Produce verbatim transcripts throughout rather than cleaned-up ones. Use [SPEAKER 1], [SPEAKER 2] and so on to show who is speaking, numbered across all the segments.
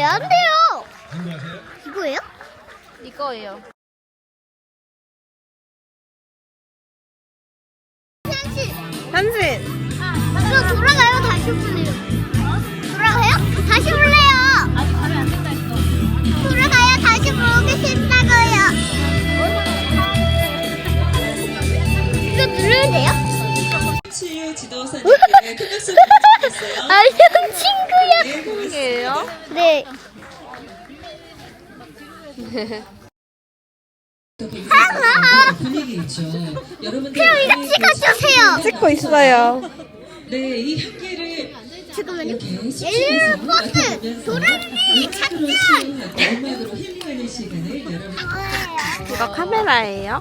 [SPEAKER 1] 안 돼요. 이거예요?
[SPEAKER 2] 이거예요.
[SPEAKER 1] 현실.
[SPEAKER 2] 현실.
[SPEAKER 1] 그럼 돌아가요? 다시 볼래요? 돌아가요? 다시 볼래요?
[SPEAKER 2] 아직 가면 안 된다 했어.
[SPEAKER 1] 돌아가요? 다시 보기 싫다고요. 이거 누르면 돼요?
[SPEAKER 3] 치유 지도사님께 큰 박수 부탁드리겠어요.
[SPEAKER 1] 안녕 친구야.
[SPEAKER 3] 네, 고맙습니다.
[SPEAKER 2] 이게요?
[SPEAKER 1] 네.
[SPEAKER 3] 분위기 있죠. 여러분들
[SPEAKER 1] 그럼 이거 찍어주세요.
[SPEAKER 2] 찍고 있어요.
[SPEAKER 3] 네, 이 향기를
[SPEAKER 1] 잠깐만요.
[SPEAKER 3] 이렇게
[SPEAKER 1] 옐로우
[SPEAKER 3] 숲속에서
[SPEAKER 1] 버스
[SPEAKER 3] 맡아보면서
[SPEAKER 1] 도라미
[SPEAKER 3] 음악으로 치유하고 음악으로 힐링하는 시간을 여러분.
[SPEAKER 2] 이거 카메라예요.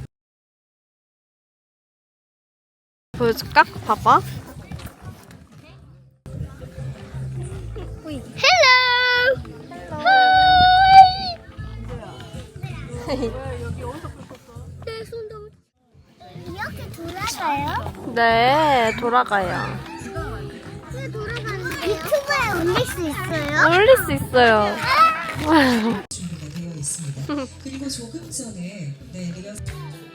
[SPEAKER 2] 보여줄까? 봐봐.
[SPEAKER 1] 헬로. 하이. 내 손도 이렇게 돌아가요?
[SPEAKER 2] 네, 돌아가요.
[SPEAKER 1] 왜 돌아가는데? 유튜브에 올릴 수 있어요?
[SPEAKER 2] 올릴 수 있어요.
[SPEAKER 3] 준비가 되어 있습니다. 그리고 조금 전에 네, 리허설